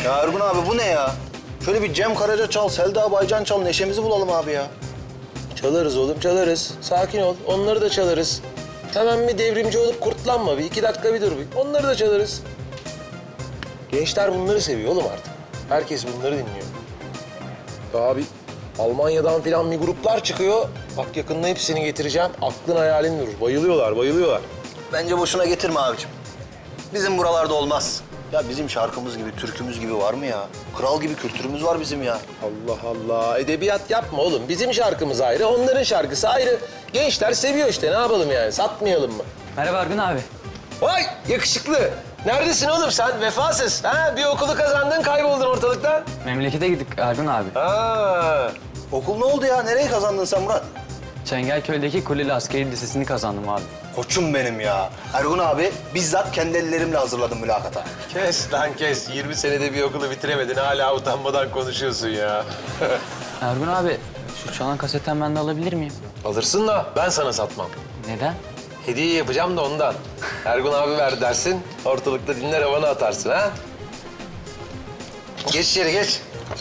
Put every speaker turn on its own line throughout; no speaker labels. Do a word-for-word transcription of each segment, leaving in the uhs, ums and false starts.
Ya Ergun abi bu ne ya? Şöyle bir Cem Karaca çal, Selda Baycan çal, neşemizi bulalım abi ya.
Çalarız oğlum, çalarız. Sakin ol, onları da çalarız. Hemen bir devrimci olup kurtlanma. Bir iki dakika bir dur bir. Onları da çalarız. Gençler bunları seviyor oğlum artık. Herkes bunları dinliyor. Ya abi, Almanya'dan falan bir gruplar çıkıyor. Bak yakında hepsini getireceğim. Aklın hayalin durur. Bayılıyorlar, bayılıyorlar.
Bence boşuna getirme abicim. Bizim buralarda olmaz. Ya bizim şarkımız gibi, türkümüz gibi var mı ya? Kral gibi kültürümüz var bizim ya.
Allah Allah. Edebiyat yapma oğlum. Bizim şarkımız ayrı, onların şarkısı ayrı. Gençler seviyor işte. Ne yapalım yani? Satmayalım mı?
Merhaba Ergun abi.
Vay yakışıklı. Neredesin oğlum sen? Vefasız. Ha? Bir okulu kazandın, kayboldun ortalıktan.
Memlekete gittik Ergun abi.
Ha.
Okul ne oldu ya? Nereyi kazandın sen Murat?
Çengelköy'deki Kuleli Askeri Lisesi'ni kazandım abi.
Koçum benim ya. Ergun abi bizzat kendi ellerimle hazırladım mülakata.
Kes lan kes. yirmi senede bir okulu bitiremedin. Hala utanmadan konuşuyorsun ya.
Ergun abi, şu çalan kasetten ben de alabilir miyim?
Alırsın da ben sana satmam.
Neden?
Hediye yapacağım da ondan. Ergun abi ver dersin. Ortalıkta dinler havanı atarsın ha. Geç içeri geç.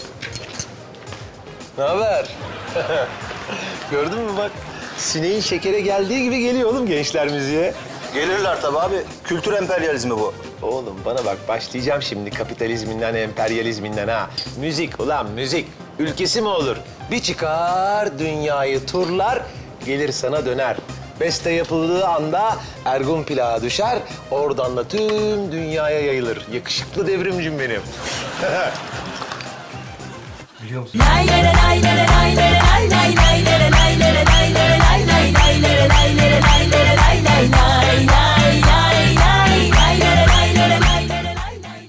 Ne haber? Gördün mü bak? Sineğin şekere geldiği gibi geliyor oğlum gençler müziğe.
Gelirler tabii abi. Kültür emperyalizmi bu.
Oğlum bana bak başlayacağım şimdi kapitalizminden, emperyalizminden ha. Müzik ulan müzik. Ülkesi mi olur? Bir çıkar dünyayı turlar, gelir sana döner. Beste yapıldığı anda Ergun plağa düşer, oradan da tüm dünyaya yayılır. Yakışıklı devrimcim benim.
Lay lay lay lay lay lay lay lay lay lay.